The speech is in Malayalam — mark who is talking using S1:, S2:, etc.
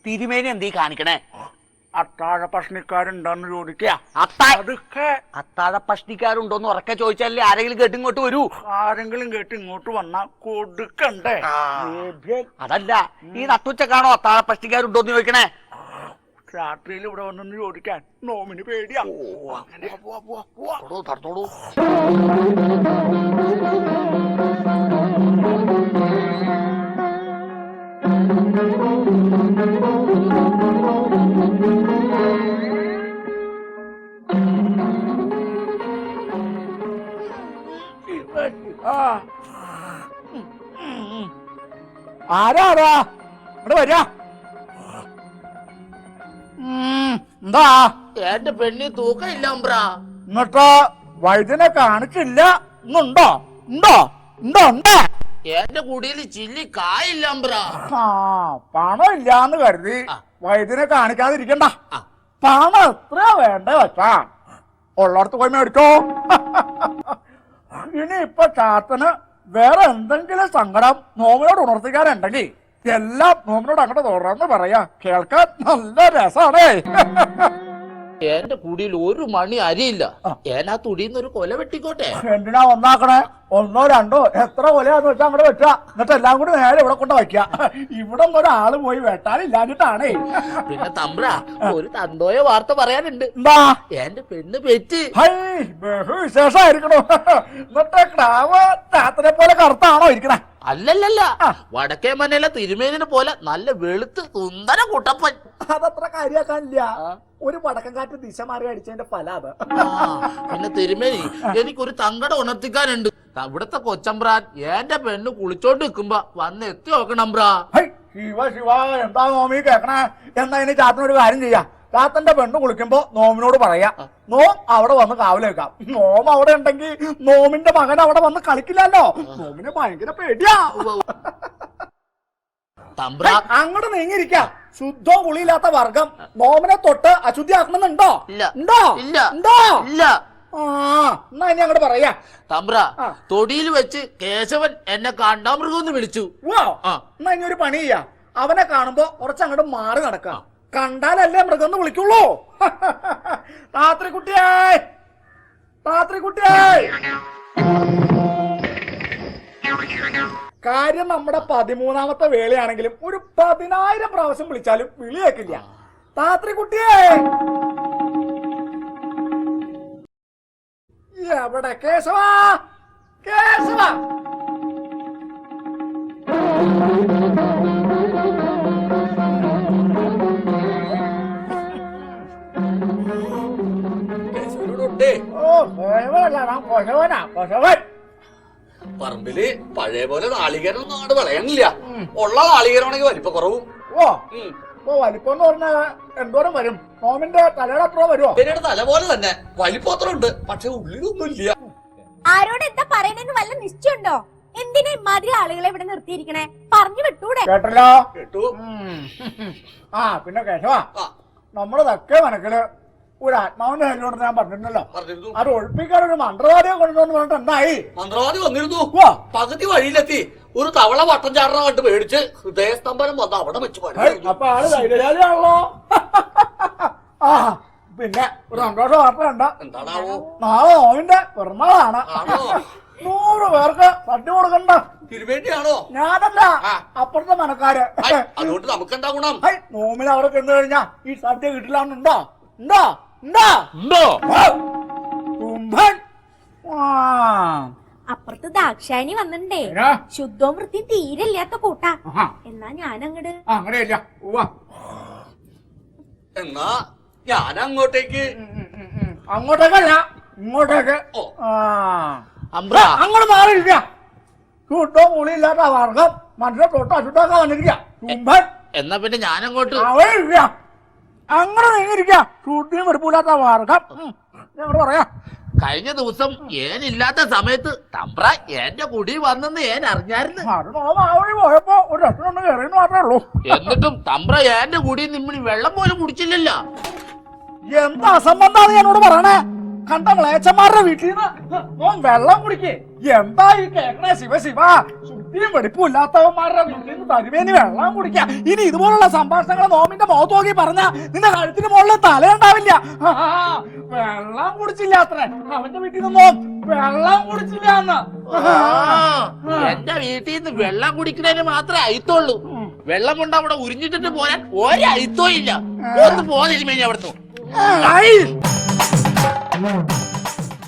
S1: തിരുമേനി എന്തീ കാണിക്കണേ?
S2: അത്താഴ പ്രശ്നക്കാരുണ്ടോന്ന് ചോദിക്കുക.
S1: അത്താഴ പ്രശ്നക്കാരുണ്ടോന്ന് ഉറക്കെ ചോദിച്ചാലേ ആരെങ്കിലും കേട്ട് ഇങ്ങോട്ട് വരൂ.
S2: ആരെങ്കിലും കേട്ട് ഇങ്ങോട്ട് വന്നാ കൊടുക്കണ്ടേ?
S1: അതല്ല, ഈ നട്ടുച്ചക്കാണോ അത്താഴ പ്രശ്നക്കാരുണ്ടോന്ന് ചോദിക്കണേ?
S2: രാത്രിയിൽ ഇവിടെ വന്നെന്ന് ചോദിക്കാൻ നോമിന് പേടിയാ.
S1: തടത്തോളൂ.
S2: ആരാ ഇവിടെ വരാ? എന്താ
S3: എന്റെ പെണ്ണി തൂക്കമില്ല അമ്പ്രാ.
S2: എന്നിട്ട് വൈദ്യനെ കാണിച്ചില്ല? ഇന്നുണ്ടോ? ഉണ്ടോ ഉണ്ടോ ഉണ്ടോ?
S3: എന്റെ കുടിയിൽ ചില്ലി കായില്ല അമ്പ്രാ.
S2: പണം ഇല്ലാന്ന് കരുതി വൈദ്യനെ കാണിക്കാതിരിക്കണ്ട. പണം എത്ര വേണ്ട വെച്ചാ ഉള്ളടത്ത് പോയി മേടിച്ചോ. ഇനി ഇപ്പൊ ചാത്തന് വേറെ എന്തെങ്കിലും സങ്കടം നോമിനോട് ഉണർത്തിക്കാനുണ്ടെങ്കിൽ എല്ലാം നോമിനോട് അങ്ങോട്ട് തുറന്ന് പറയാ. കേൾക്കാൻ നല്ല രസാണേ.
S3: എന്റെ കുടിയിൽ ഒരു മണി അരിയില്ല. ഏനാ തുടിയിൽ ഒരു കൊല വെട്ടിക്കോട്ടെ.
S2: എന്തിനാ ഒന്നാക്കണേ? ഒന്നോ രണ്ടോ എത്ര കൊലയാന്ന് വെച്ചാൽ അങ്ങോട്ട് വെച്ച. എന്നിട്ട് എല്ലാം കൂടി നേരെ ഇവിടെ കൊണ്ട് വയ്ക്കുക. ഇവിടെ ഒരാള് പോയി വെട്ടാനില്ലാഞ്ഞിട്ടാണേ.
S3: പിന്നെ തമ്പ്ര ഒരു തന്തോയ വാർത്ത പറയാനുണ്ട്.
S2: എന്താ?
S3: എന്റെ പെണ്ണ് പെറ്റ്.
S2: ബഹുവിശേഷമായിരിക്കണോ? എന്നിട്ട് ക്രാവ് രാത്രിയെ പോലെ കറുത്താണോ ഇരിക്കണേ?
S3: അല്ലല്ല, വടക്കേ മനയിലെ തിരുമേനിനെ പോലെ നല്ല വെളുത്ത് സുന്ദര കുട്ടപ്പൻ.
S2: അതത്ര കാര്യാക്കാനില്ല. ഒരു വടക്കം കാറ്റ് ദിശ മാറി അടിച്ചതിന്റെ ഫല അത്.
S3: പിന്നെ തിരുമേനി, എനിക്കൊരു തങ്കട ഉണർത്തിക്കാനുണ്ട്. ഇവിടത്തെ കൊച്ചമ്പ്രാൻ എന്റെ പെണ്ണ് കുളിച്ചോണ്ട് നിൽക്കുമ്പോ വന്ന് എത്തി നോക്കണമ്പ്രാ.
S2: ശിവ ശിവ, എന്താ നോമി കേക്കണേ? എന്നാ ഇനി ചാത്തനൊരു കാര്യം ചെയ്യാം. ചാത്തന്റെ പെണ്ണ് കുളിക്കുമ്പോ നോമിനോട് പറയാ നോം അവിടെ വന്ന് കാവല് വെക്കാം. നോം അവിടെ ഉണ്ടെങ്കിൽ നോമിന്റെ മകൻ അവിടെ വന്ന് കളിക്കില്ലല്ലോ. നോമിന് ഭയങ്കര പേടിയാ. അങ്ങോട്ട് നീങ്ങിരിക്കാം. ശുദ്ധവും കുളിയില്ലാത്ത വർഗം നോമിനെ തൊട്ട് അശുദ്ധിയാക്കണമെന്നുണ്ടോ? ഉണ്ടോ? ഉണ്ടോ? എന്നാ ഇനി അങ്ങോട്ട് പറയാ.
S3: തമ്പ്ര, തൊടിയിൽ വെച്ച് കേശവൻ എന്നെ കാണ്ടാമൃഗം വിളിച്ചു.
S2: എന്നാ ഇനി ഒരു പണി ചെയ്യാ. അവനെ കാണുമ്പോ കുറച്ചങ്ങോട്ട് മാറി നടക്കാം. കണ്ടാലല്ലേ മൃഗം വിളിക്കുള്ളൂ. രാത്രി കുട്ടിയായി, രാത്രി കുട്ടിയായി. കാര്യം നമ്മുടെ 13ാമത്തെ വേളയാണെങ്കിലും ഒരു 10,000 പ്രാവശ്യം വിളിച്ചാലും വിളി കേൾക്കില്ല. രാത്രി കുട്ടിയേ, എവിടെ കേശവ? കേശവ,
S3: പറമ്പില് പഴയ പോലെ നാളികേരം നാട് വിളയണില്ല. ഉള്ള നാളികേരമാണെങ്കിൽ വലിപ്പ കുറവും.
S2: വലിപ്പം എന്ന് പറഞ്ഞാൽ എന്തോരം വരും? നോമിന്റെ തലയുടെ അത്ര വരുമോ?
S3: പിന്നീട് തല പോലെ തന്നെ വലിപ്പം അത്ര ഉണ്ട്, പക്ഷെ ഉള്ളിലൊന്നും ഇല്ല.
S4: ആരോട് എന്താ പറയണെന്ന് വല്ല നിശ്ചയുണ്ടോ? എന്തിനാ ഇമാതിരി ആളുകളെ ഇവിടെ നിർത്തിയിരിക്കണേ? പറഞ്ഞു വിട്ടൂടെ?
S2: കേട്ടല്ലോ,
S3: കേട്ടു.
S2: പിന്നെ കേശവ, നമ്മുടെ തെക്കേ മനക്കില് ഒരു ആത്മാവിന്റെ കാര്യോട് ഞാൻ പറഞ്ഞിരുന്നല്ലോ. അത് ഒഴിപ്പിക്കാൻ ഒരു മന്ത്രവാദിയെ കൊണ്ടുവന്ന് പറഞ്ഞിട്ട് എന്തായി?
S3: മന്ത്രവാദി വന്നിരുന്നു. പകുതി വഴിയിലെത്തി ഒരു തവള വട്ടം ചാടണ കണ്ട് പേടിച്ച് ഹൃദയസ്തംഭനം വന്ന് അവിടെ വെച്ച്
S2: അപ്പൊ ആള് ധൈര്യശാലിയാണല്ലോ. പിന്നെ ഒരു സന്തോഷ വാർത്ത കണ്ട.
S3: എന്താണാവോ?
S2: നാളെ നോമിന്റെ പിറന്നാളാണ്. 100 പേർക്ക് സദ്യ കൊടുക്കണ്ട.
S3: തിരുവേണ്ടിയാണോ?
S2: ഞാനല്ല, അപ്പുറത്തെ മനക്കാര്.
S3: അതുകൊണ്ട് നമുക്ക് എന്താ ഗുണം?
S2: നോമിന് അവിടെ ചെന്ന് കഴിഞ്ഞാ ഈ സദ്യ കിട്ടില്ലാന്നുണ്ടോ? ഉണ്ടോ? ഉണ്ടോ?
S3: ഉണ്ടോ?
S4: അപ്പുറത്ത് ദാക്ഷായണി വന്നിട്ടേ. ശുദ്ധവും വൃത്തിയും തീരെ ഇല്ലാത്ത കൂട്ടാ. എന്നാ ഞാനങ്ങട്
S2: അങ്ങനെയല്ല.
S3: എന്നാ ഞാൻ അങ്ങോട്ടേക്ക്.
S2: അങ്ങോട്ടേക്കല്ല, ഇങ്ങോട്ടേക്ക്. അങ്ങോട്ട് മാറിയിരിക്ക. ശുദ്ധവും കുളിയില്ലാത്ത വർഗം മനുഷ്യ തൊട്ട് അശുദ്ധാക്കാൻ വന്നിരിക്ക.
S3: എന്നാ പിന്നെ ഞാനങ്ങോട്ട്
S2: അങ്ങനെ നീങ്ങിരിക്ക. ശുദ്ധിയും വെറുപ്പില്ലാത്ത വർഗം. ഞങ്ങള് പറയാ,
S3: കഴിഞ്ഞ ദിവസം ഏനില്ലാത്ത സമയത്ത് തമ്പ്ര എന്റെ കുടി വന്നെന്ന് ഏൻ അറിഞ്ഞായിരുന്നു.
S2: പോയപ്പോ ഒരു രസം കയറിയെന്ന് മാത്രമേ ഉള്ളൂ.
S3: എന്നിട്ടും തമ്പ്ര എന്റെ കുടി നിമ്മിണി വെള്ളം പോലും കുടിച്ചില്ലല്ലോ.
S2: എന്താ അസംബന്ധാണ് എന്നോട് പറയണേ? കണ്ട മ്ലേച്ഛന്മാരുടെ വീട്ടിൽ നിന്ന് വെള്ളം കുടിക്കേ? എന്താ ഈ കേക്കണേ? ശിവ ശിവ, വൃത്തിയും വെടിപ്പും ഇല്ലാത്തവന്മാരുടെ വീട്ടിൽ നിന്ന് തരുവേനി വെള്ളം കുടിക്കാം. ഇനി ഇതുപോലുള്ള സംഭാഷണങ്ങൾ നോമിന്റെ മുഖത്ത് നോക്കി പറഞ്ഞാ നിന്റെ കഴുത്തിന് മുകളിൽ തലയുണ്ടാവില്ല. വെള്ളം കുടിച്ചില്ല അത്രേ, അവന്റെ വീട്ടിൽ നിന്നും വെള്ളം കുടിച്ചില്ല എന്ന്.
S3: എന്റെ വീട്ടിൽ നിന്ന് വെള്ളം കുടിക്കുന്നതിന് മാത്രമേ അയിത്തുള്ളൂ. വെള്ളം കൊണ്ട് അവിടെ ഉരിഞ്ഞിട്ടിട്ട് പോരാൻ ഒരയിത്തോ ഇല്ല. ഒന്ന് പോന്നിരുമേനി അവിടുന്ന്.